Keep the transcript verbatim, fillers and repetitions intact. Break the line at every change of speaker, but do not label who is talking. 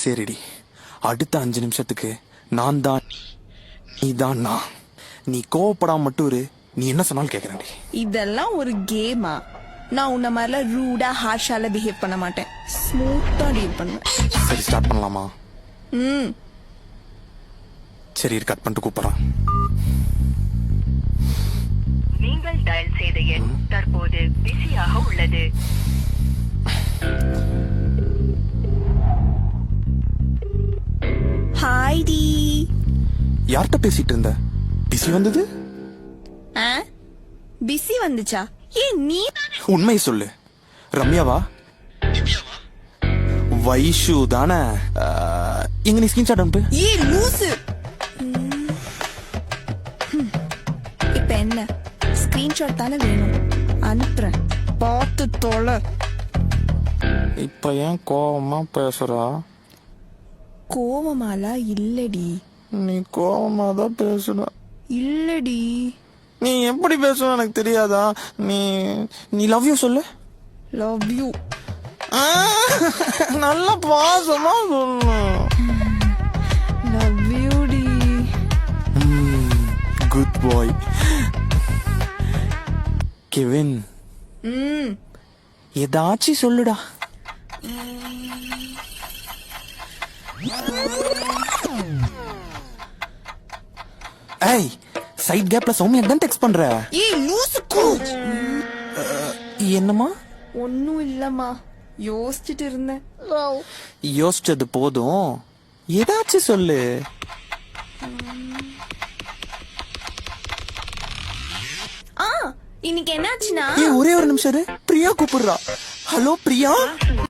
சரிடி, அடுத்த அஞ்சு நிமிஷத்துக்கு நான் தான் நீ தான் நான். நீ கோவப்படாம மட்டும் இரு. நீ என்ன சொன்னாலும் கேக்குறேன்டி.
இதெல்லாம் ஒரு கேமா? நான் உன்ன மாதிரிலாம் ரூடா ஹார்ஷால பிஹேவ் பண்ண மாட்டேன். ஸ்மூத்தா டீல் பண்ணுவேன்.
சரி, ஸ்டார்ட் பண்ணலாமா?
ம்
சரி, கட் பண்ணிட்டு கூப்பிடுறேன்.
நீங்கள் டயல் செய்த எண் தற்போது பிஸியாக உள்ளது.
ஹாய் டி.
யார்கிட்ட பேசிட்டு இருந்த? பிசி வந்தது?
பிஸி வந்துச்சா? ஏ நீ
உண்மையை சொல்லு. ரம்யாவா? வைஷு தானே? எங்க நீ ஸ்கிரீன்ஷாட் அனுப்பு.
ஏ லூசு. இப்ப என்ன ஸ்கிரீன்ஷாட் தானே வேணும்? அனுப்புறேன், பார்த்து தொலை.
இப்ப ஏன் கோவமா பேசுறா?
கோவமாலா இல்லடி.
நீ கோவமா தான் பேசுற.
இல்லடி.
நீ எப்படி பேசுற எனக்கு தெரியாதா? நீ நீ லவ் யூ சொல்லு.
Love you.
நல்ல பாசமா சொல்லு.
லவ் யூ டி.
Goodbye. கெவின்,
ம்
ஏதாச்சும் சொல்லுடா. ஏய், சைட் கேப்ல சௌமியா தான் டெக்ஸ்ட் பண்ற.
ஏய் லூசு கூச்.
என்னமா?
ஒன்னும் இல்லம்மா, யோசிச்சுட்டு இருந்தேன்.
யோசிச்சது போதும், ஏதாச்சும் சொல்லு.
ஆ இன்னைக்கு என்னாச்சுன்னா,
ஏய், ஒரே ஒரு நிமிஷம் இரு. பிரியா கூப்பிடுறா. ஹலோ பிரியா.